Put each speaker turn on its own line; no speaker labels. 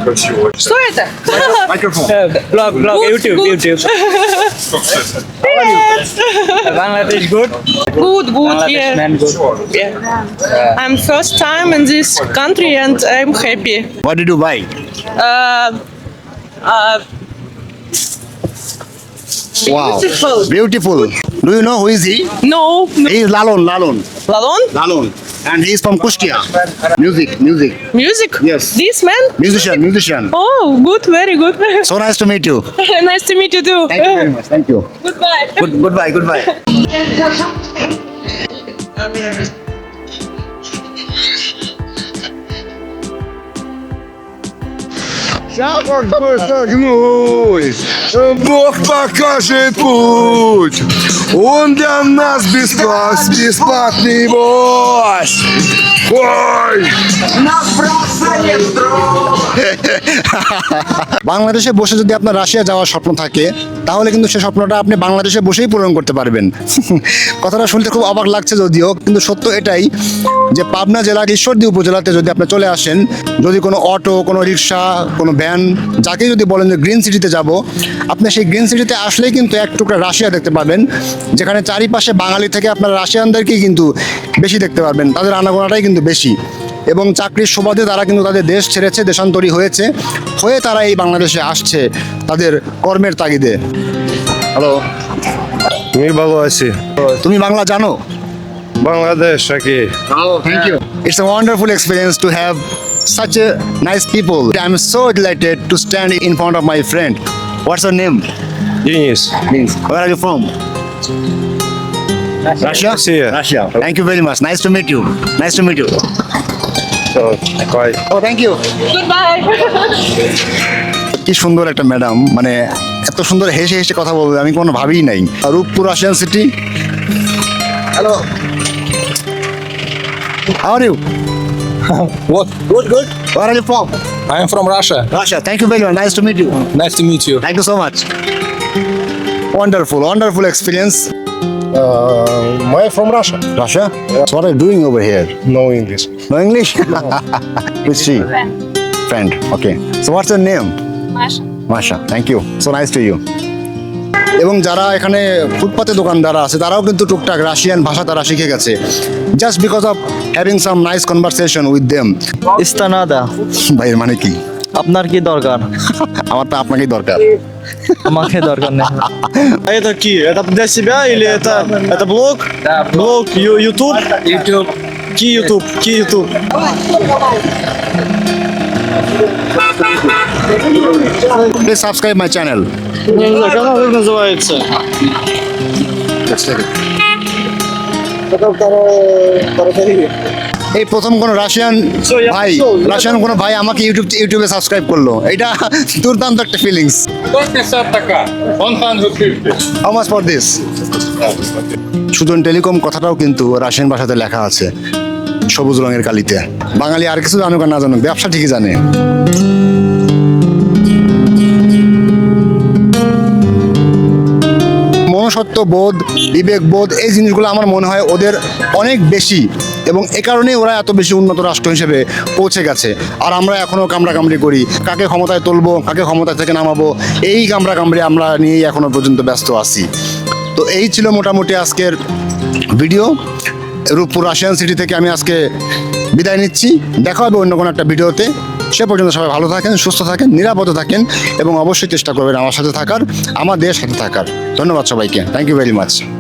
Что это?
Microphone.
Blog, YouTube. Bangladesh good.
Good,
Bangladesh
yeah.
man good.
Yeah. I'm first time in this country and I'm happy.
What did you buy?
Uh, uh,
Wow.
Beautiful.
Beautiful. Do you know who is he?
no,
He is Lalon.
Lalon?
Lalon. And he is from Kushtia. Music.
Music?
Yes.
This man?
Musician.
Oh, good, very good.
So nice to meet you.
Nice to meet you too.
Thank you very much. Thank you.
Goodbye.
Goodbye.
Бог покажет путь. Он для нас бесплатный бой. Ой!
বাংলাদেশে বসে যদি আপনার Russia যাওয়ার স্বপ্ন থাকে তাহলে কিন্তু সেই স্বপ্নটা আপনি বাংলাদেশে বসেই পূরণ করতে পারবেন। কথাটা শুনতে খুব অবাক লাগছে যদিও, কিন্তু সত্য এটাই যে পাবনা জেলার ঈশ্বরদী উপজেলাতে যদি আপনি চলে আসেন, যদি কোনো অটো, কোনো রিক্সা, কোনো ভ্যান, যাকে যদি বলেন যে গ্রিন সিটিতে যাব, আপনি সেই গ্রিন সিটিতে আসলেই কিন্তু এক টুকরা রাশিয়া দেখতে পাবেন, যেখানে চারিপাশে বাঙালি থেকে আপনার রাশিয়ানদেরকেই কিন্তু বেশি দেখতে পারবেন। তাদের আনাগোনাটাই কিন্তু বেশি, এবং চাকরির সুবাদে তারা কিন্তু তাদের দেশ ছেড়েছে, দেশান্তরী হয়ে তারা এই বাংলাদেশে আসছে তাদের কর্মের তাগিদে। হ্যালো,
Мир Баласи.
তুমি বাংলা জানো?
Бангладеш, окей.
Thank you. It's a wonderful experience to have such a nice people. I'm so delighted to stand in front of my friend. What's your name?
Денис.
Where are you from? Russia? Russia. Thank you very much. Nice to meet you.
Bye.
Oh, thank you.
Goodbye.
কি সুন্দর একটা madam, মানে এত সুন্দর হেসে কথা বলবে আমি কোনো ভাবিই নাই। Rooppur Russian city. Hello, how are you?
What?
Good. Where are you from?
I am from Russia.
Russia. Thank you very much. Nice to meet you.
Nice to meet you.
Thank you so much. Wonderful experience.
I'm from Russia.
Russia? So what are you doing over here?
No English.
No English? Which she? Friend. Okay. So what's your name? Masha. Thank you. So nice to you. এবং যারা এখানে ফুটপাতে দোকানদার আছে তারাও কিন্তু টুকটাক Russian ভাষা তারা শিখে গেছে, just because of having some nice conversation with them.
ইস্তানাদা।
ভাই এর মানে কি?
আপনার কি দরকার?
আমার তো আপনাকেই দরকার।
আমাকে দরকার নেই।
Это ки? Это для себя или это блог?
Да,
Блог YouTube?
YouTube.
Ки YouTube?
Please subscribe my channel.
Я не знаю, канал как называется?
এই প্রথম কোন রাশিয়ান ভাই আমাকে ইউটিউবে সাবস্ক্রাইব করলো, এটা দুর্দান্ত একটা feelings. How much for this? Sujan telecom কথাটাও কিন্তু রাশিয়ান ভাষাতে লেখা আছে সবুজ রঙের কালিতে। বাঙালি আর কিছু জানুক আর না জানুক, ব্যবসা ঠিকই জানে। মনুষ্যত্ব বোধ, বিবেক বোধ, এই জিনিসগুলো আমার মনে হয় ওদের অনেক বেশি, এবং এ কারণেই ওরা এত বেশি উন্নত রাষ্ট্র হিসেবে পৌঁছে গেছে। আর আমরা এখনও কামড়াকামড়ি করি, কাকে ক্ষমতায় তুলবো, কাকে ক্ষমতা থেকে নামাবো, এই কামড়াকামড়ি আমরা নিয়েই এখনো পর্যন্ত ব্যস্ত আছি। তো এই ছিল মোটামুটি আজকের ভিডিও। রূপপুর রাশিয়ান সিটি থেকে আমি আজকে বিদায় নিচ্ছি। দেখা হবে অন্য কোনো একটা ভিডিওতে। সে পর্যন্ত সবাই ভালো থাকেন, সুস্থ থাকেন, নিরাপদে থাকেন, এবং অবশ্যই চেষ্টা করবেন আমার সাথে থাকার, আমার দেশের সাথে থাকার। ধন্যবাদ সবাইকে। Thank you very much.